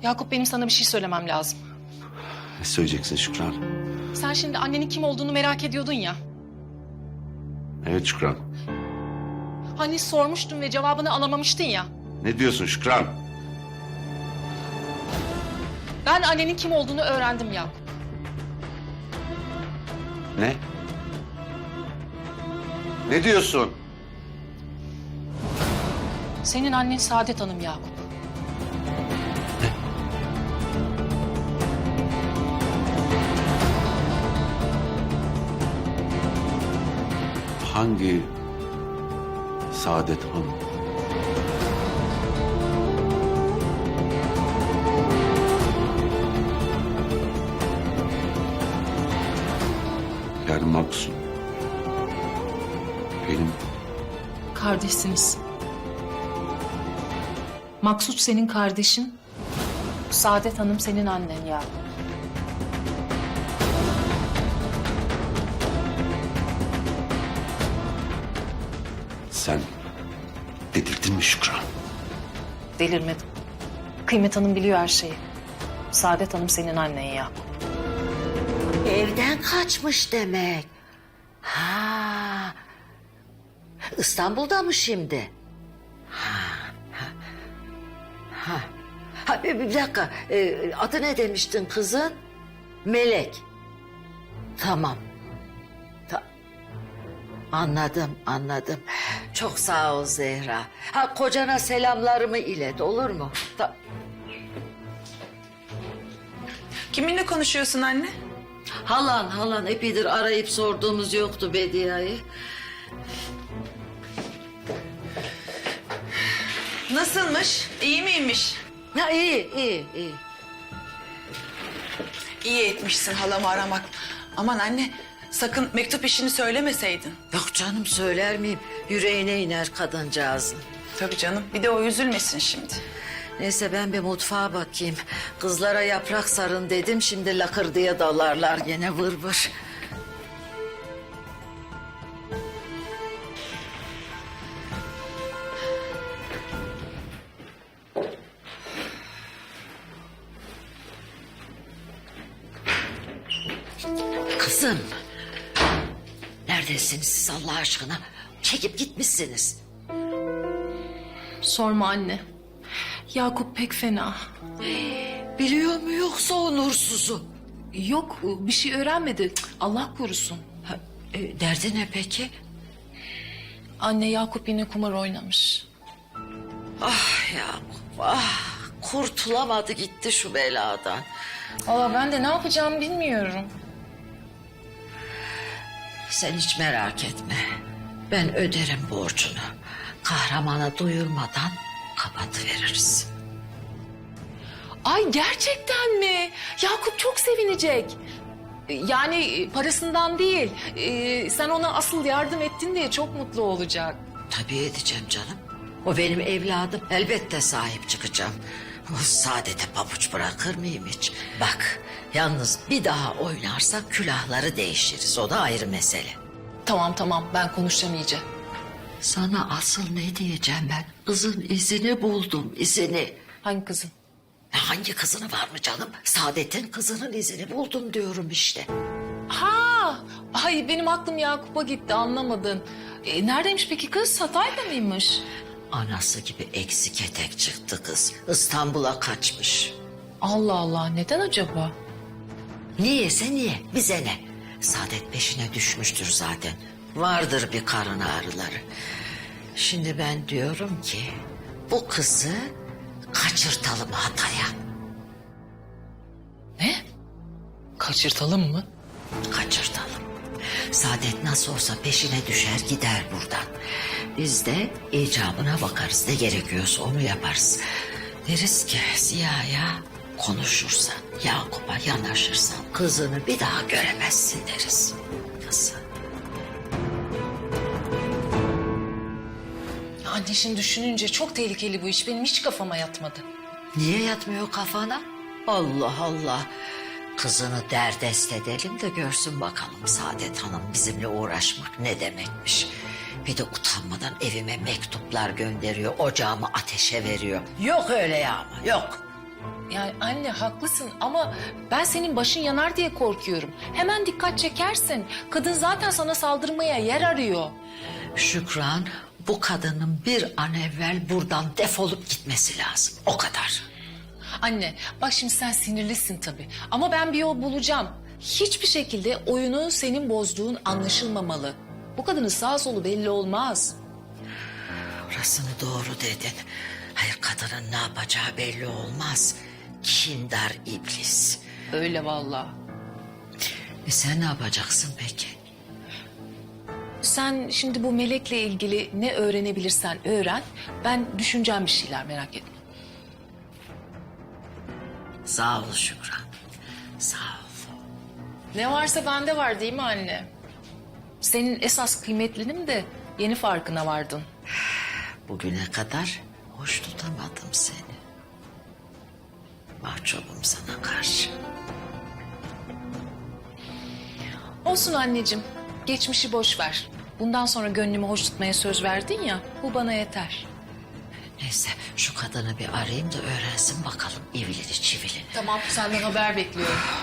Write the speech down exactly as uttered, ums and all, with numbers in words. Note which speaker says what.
Speaker 1: Yakup, benim sana bir şey söylemem lazım.
Speaker 2: Ne söyleyeceksin Şükran?
Speaker 1: Sen şimdi annenin kim olduğunu merak ediyordun ya.
Speaker 2: Evet Şükran.
Speaker 1: Hani sormuştun ve cevabını alamamıştın ya.
Speaker 2: Ne diyorsun Şükran?
Speaker 1: Ben annenin kim olduğunu öğrendim Yakup.
Speaker 2: Ne? Ne diyorsun?
Speaker 1: Senin annen Saadet Hanım Yakup.
Speaker 2: Hangi Saadet Hanım? Yani Maksut. Benim
Speaker 1: Kardeşsiniz. Maksut senin kardeşin. Saadet Hanım senin annen Yakup.
Speaker 2: sen delirdin mi Şükran?
Speaker 1: Delirmedim. Kıymet Hanım biliyor her şeyi. Saadet Hanım senin annen Yakup.
Speaker 3: Evden kaçmış demek. Ha. İstanbul'da mı şimdi? Ha. Ha. Ha. Ha, bir, bir dakika. Ee, adı ne demiştin kızın? Melek. Tamam. Ta- anladım, anladım. Çok sağ ol Zehra. Ha, kocana selamlarımı ilet, olur mu? Ta-
Speaker 4: Kiminle konuşuyorsun anne?
Speaker 3: halan, halan. Epeydir arayıp sorduğumuz yoktu Bediye'yi.
Speaker 4: Nasılmış? İyi miymiş?
Speaker 3: Ha, iyi, iyi, iyi.
Speaker 4: İyi etmişsin halamı aramak. Aman anne, sakın mektup işini söylemeseydin.
Speaker 3: Yok canım, söyler miyim? Yüreğine iner kadıncağızın.
Speaker 4: Tabii canım, bir de o üzülmesin şimdi.
Speaker 3: Neyse ben bir mutfağa bakayım. Kızlara yaprak sarın dedim. Şimdi lakır diye dalarlar gene vır vır. Kızım. Neredesiniz siz Allah aşkına? Çekip gitmişsiniz.
Speaker 1: Sorma anne. Yakup pek fena.
Speaker 3: Biliyor mu yoksa o nursuzu?
Speaker 1: Yok, bir şey öğrenmedi. Allah korusun.
Speaker 3: Ha, e, derdi ne peki?
Speaker 1: Anne, Yakup yine kumar oynamış.
Speaker 3: Ah Yakup ah. Kurtulamadı gitti şu beladan.
Speaker 1: Valla ben de ne yapacağımı bilmiyorum.
Speaker 3: Sen hiç merak etme. Ben öderim borcunu. Kahramana duyurmadan kapatıveririz.
Speaker 1: Ay, gerçekten mi? Yakup çok sevinecek. Yani parasından değil. Ee, sen ona asıl yardım ettin diye çok mutlu olacak.
Speaker 3: Tabii edeceğim canım. O benim evladım. Elbette sahip çıkacağım. O Saadet'e pabuç bırakır mıyım hiç? Bak yalnız bir daha oynarsa külahları değişiriz. O da ayrı mesele.
Speaker 1: Tamam tamam, ben konuşacağım iyice.
Speaker 3: Sana asıl ne diyeceğim ben? Kızın izini buldum, izini.
Speaker 1: Hangi kızın?
Speaker 3: Hangi kızını var mı canım? Saadet'in kızının izini buldum diyorum işte.
Speaker 1: Ha, ay benim aklım Yakup'a gitti, anlamadın. E, neredeymiş peki kız? Hatay'da mıymış?
Speaker 3: Anası gibi eksik etek çıktı kız. İstanbul'a kaçmış.
Speaker 1: Allah Allah, neden acaba?
Speaker 3: Niyeyse niye? Bize ne? Saadet peşine düşmüştür zaten. Vardır bir karın ağrıları. Şimdi ben diyorum ki bu kızı kaçırtalım Hatay'a.
Speaker 1: Ne? Kaçırtalım mı?
Speaker 3: Kaçırtalım. Saadet nasıl olsa peşine düşer gider buradan. Biz de icabına bakarız. Ne gerekiyorsa onu yaparız. Deriz ki Ziya'ya konuşursan, Yakup'a yanaşırsan kızını bir daha göremezsin deriz. Nasıl?
Speaker 1: Anne, şimdi düşününce çok tehlikeli bu iş. Benim hiç kafama yatmadı.
Speaker 3: Niye yatmıyor kafana? Allah Allah. Kızını derdest edelim de görsün bakalım Saadet Hanım bizimle uğraşmak ne demekmiş. Bir de utanmadan evime mektuplar gönderiyor, ocağımı ateşe veriyor. Yok öyle ya ama yok.
Speaker 1: Yani anne haklısın ama ben senin başın yanar diye korkuyorum. Hemen dikkat çekersin. Kadın zaten sana saldırmaya yer arıyor.
Speaker 3: Şükran, bu kadının bir an evvel buradan defolup gitmesi lazım. O kadar.
Speaker 1: Anne bak şimdi sen sinirlisin tabii ama ben bir yol bulacağım. Hiçbir şekilde oyunu senin bozduğun anlaşılmamalı. Bu kadının sağ solu belli olmaz.
Speaker 3: Orasını doğru dedin. Hayır, kadının ne yapacağı belli olmaz. Kindar iblis.
Speaker 1: Öyle vallahi.
Speaker 3: E sen ne yapacaksın peki?
Speaker 1: Sen şimdi bu melekle ilgili ne öğrenebilirsen öğren. Ben düşüneceğim bir şeyler, merak etme.
Speaker 3: Sağ ol Şükran. Sağ ol.
Speaker 1: Ne varsa bende var değil mi anne? Senin esas kıymetlinin de yeni farkına vardın.
Speaker 3: Bugüne kadar hoş tutamadım seni. Mahcubum sana karşı.
Speaker 1: Olsun anneciğim, geçmişi boş ver. Bundan sonra gönlümü hoş tutmaya söz verdin ya, bu bana yeter.
Speaker 3: Neyse, şu kadını bir arayayım da öğrensin bakalım ivlili çivilini.
Speaker 1: Tamam, senden haber bekliyorum.